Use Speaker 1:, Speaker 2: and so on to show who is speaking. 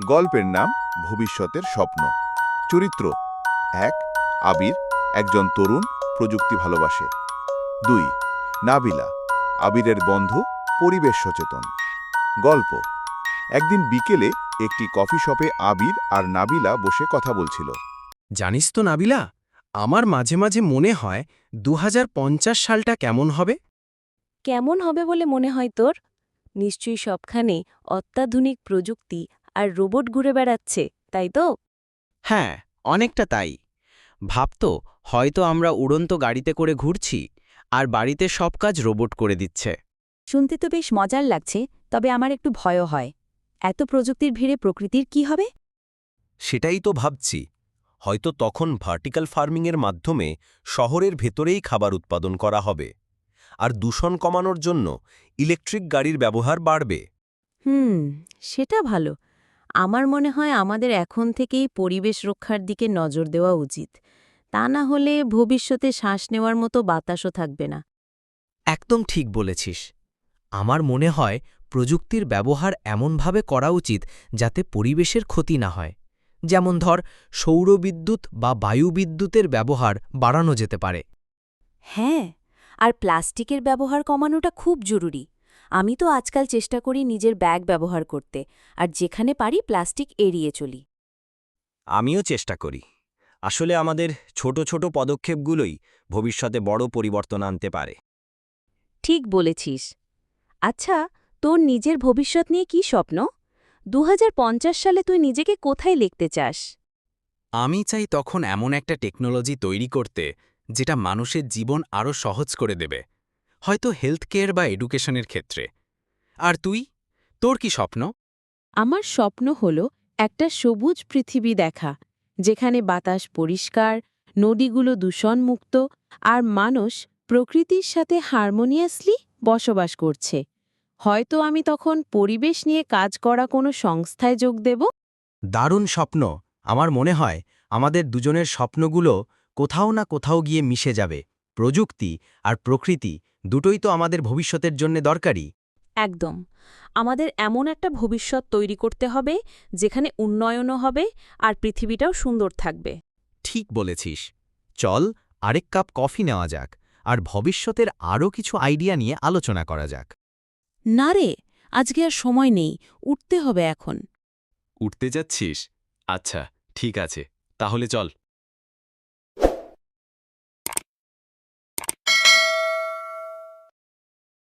Speaker 1: গল্পের নাম ভবিষ্যতের স্বপ্ন। চরিত্র: ১. আবির, একজন তরুণ, প্রযুক্তি ভালোবাসে। ২. নাবিলা, আবিরের বন্ধু, পরিবেশ সচেতন। গল্প: একদিন বিকেলে একটি কফি শপে আবির আর নাবিলা বসে কথা বলছিল।
Speaker 2: জানিস তো নাবিলা, আমার মাঝে মাঝে মনে হয় ২০৫০ সালটা কেমন হবে।
Speaker 3: কেমন হবে বলে মনে হয় তোর? নিশ্চয়ই সবখানে অত্যাধুনিক প্রযুক্তি আর রোবট ঘুরে বেড়াচ্ছে, তাই তো?
Speaker 4: হ্যাঁ, অনেকটা তাই। ভাবতো হয়তো আমরা উড়ন্ত গাড়িতে করে ঘুরছি আর বাড়িতে সব কাজ রোবট করে দিচ্ছে।
Speaker 5: শুনতে তো বেশ মজার লাগছে, তবে আমার একটু ভয়ও হয়। এত প্রযুক্তির ভিড়ে প্রকৃতির কি হবে?
Speaker 6: সেটাই তো ভাবছি। হয়তো তখন ভার্টিক্যাল ফার্মিংয়ের মাধ্যমে শহরের ভেতরেই খাবার উৎপাদন করা হবে, আর দূষণ কমানোর জন্য ইলেকট্রিক গাড়ির ব্যবহার বাড়বে।
Speaker 3: সেটা ভালো। আমার মনে হয় আমাদের এখন থেকেই পরিবেশ রক্ষার দিকে নজর দেওয়া উচিত। তা না হলে ভবিষ্যতে শ্বাস নেওয়ার মতো বাতাসও থাকবে না।
Speaker 4: একদম ঠিক বলেছিস। আমার মনে হয় প্রযুক্তির ব্যবহার এমনভাবে করা উচিত যাতে পরিবেশের ক্ষতি না হয়। যেমন ধর, সৌরবিদ্যুৎ বা বায়ুবিদ্যুতের ব্যবহার বাড়ানো যেতে পারে।
Speaker 5: হ্যাঁ, আর প্লাস্টিকের ব্যবহার কমানোটা খুব জরুরি। আমি তো আজকাল চেষ্টা করি নিজের ব্যাগ ব্যবহার করতে, আর যেখানে পারি প্লাস্টিক এড়িয়ে চলি।
Speaker 6: আমিও চেষ্টা করি। আসলে আমাদের ছোট ছোট পদক্ষেপগুলোই ভবিষ্যতে বড় পরিবর্তন আনতে পারে।
Speaker 3: ঠিক বলেছিস। আচ্ছা, তোর নিজের ভবিষ্যৎ নিয়ে কি স্বপ্ন? ২০৫০ সালে তুই নিজেকে কোথায় লিখতে চাস?
Speaker 2: আমি চাই তখন এমন একটা টেকনোলজি তৈরি করতে যেটা মানুষের জীবন আরও সহজ করে দেবে, হয়তো হেলথ কেয়ার বা এডুকেশনের ক্ষেত্রে। আর তুই, তোর কি স্বপ্ন?
Speaker 3: আমার স্বপ্ন হল একটা সবুজ পৃথিবী দেখা, যেখানে বাতাস পরিষ্কার, নদীগুলো দূষণমুক্ত, আর মানুষ প্রকৃতির সাথে হারমোনিয়াসলি বসবাস করছে। হয়তো আমি তখন পরিবেশ নিয়ে কাজ করা কোনো সংস্থায় যোগ দেব।
Speaker 4: দারুণ স্বপ্ন। আমার মনে হয় আমাদের দুজনের স্বপ্নগুলো কোথাও না কোথাও গিয়ে মিশে যাবে। প্রযুক্তি আর প্রকৃতি দুটোই তো আমাদের ভবিষ্যতের জন্য দরকারি।
Speaker 3: একদম। আমাদের এমন একটা ভবিষ্যৎ তৈরি করতে হবে যেখানে উন্নয়নও হবে আর পৃথিবীটাও সুন্দর থাকবে।
Speaker 4: ঠিক বলেছিস। চল, আরেক কাপ কফি নেওয়া যাক আর ভবিষ্যতের আরও কিছু আইডিয়া নিয়ে আলোচনা করা যাক।
Speaker 3: না রে, আজকে আর সময় নেই, উঠতে হবে এখন।
Speaker 2: উঠতে যাচ্ছিস? আচ্ছা, ঠিক আছে, তাহলে চল।